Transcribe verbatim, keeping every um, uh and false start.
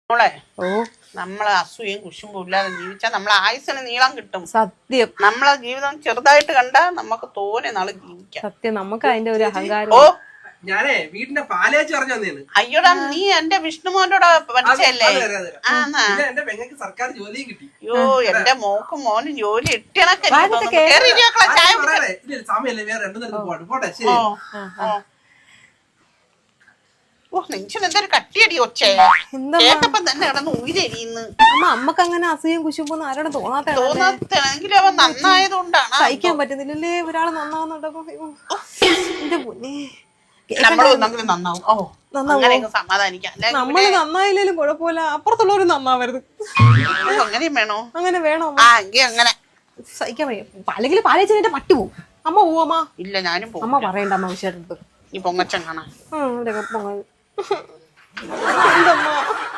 മോളെ ഓ നമ്മളെ അസൂയയും കുശുമ്പും ഇല്ലാതെ ജീവിച്ചാൽ നമ്മളെ ആയുസിന് നീളം കിട്ടും. സത്യം. നമ്മളെ ജീവിതം ചെറുതായിട്ട് കണ്ടാ നമുക്ക് തോനെ നാള് ജീവിക്കാം. സത്യം. നമുക്ക് അതിന്റെ ഒരു അഹങ്കാരം. ഓ ഞാനേ വീടിന്റെ പാലേച്ച് പറഞ്ഞു തന്നേന്ന്. അയ്യോടാ നീ എന്റെ വിഷ്ണുമോനോട് പഠിച്ചല്ലേ? എന്റെ പെങ്ങൾക്ക് സർക്കാർ ജോലിയും കിട്ടി. അയ്യോ എന്റെ മോക്കും മോനും ജോലി ഇട്ടണക്കെ സമയല്ലേ വേറെ രണ്ടു നേരത്ത് പോവാണ്. പോട്ടെ ശരി. ഓ നെഞ്ചിന് എന്തൊരു കട്ടിയടി ഒച്ചേ കേട്ടപ്പം തന്നെ കിടന്ന് ഉയരിയുന്നു. അമ്മക്ക് അങ്ങനെ അസൂയം കുശുമ്പൊന്നും ആരോടും തോന്നാത്ത തോന്നാത്തെങ്കിലും അവൻ നന്നായതുകൊണ്ടാണ്. സഹിക്കാൻ പറ്റുന്നില്ലല്ലേ ഒരാള് നന്നാവുന്നുണ്ടോ? എന്റെ പൊന്നേ നമ്മളൊന്നെങ്കിലും നന്നാവും. ഓ അങ്ങനെയൊക്കെ സമാധാനിക്കാം. നമ്മള് നന്നായില്ലേലും കുഴപ്പമില്ല, അപ്പുറത്തുള്ളവര് നന്നാവരുത്. അങ്ങനെയും വേണോ? അങ്ങനെ വേണോ? ആ എങ്കിൽ അങ്ങനെ സഹിക്കാൻ വയ്യ. അല്ലെങ്കിൽ പാലേച്ചതിന്റെ പട്ടി പോവും. അമ്മ പോവമ്മ. ഇല്ല ഞാനും പോകും. അമ്മ പറയണ്ട അമ്മ വിഷയത്ത് ഈ പൊങ്ങച്ചൻ കാണാൻ. എന്തമ്മ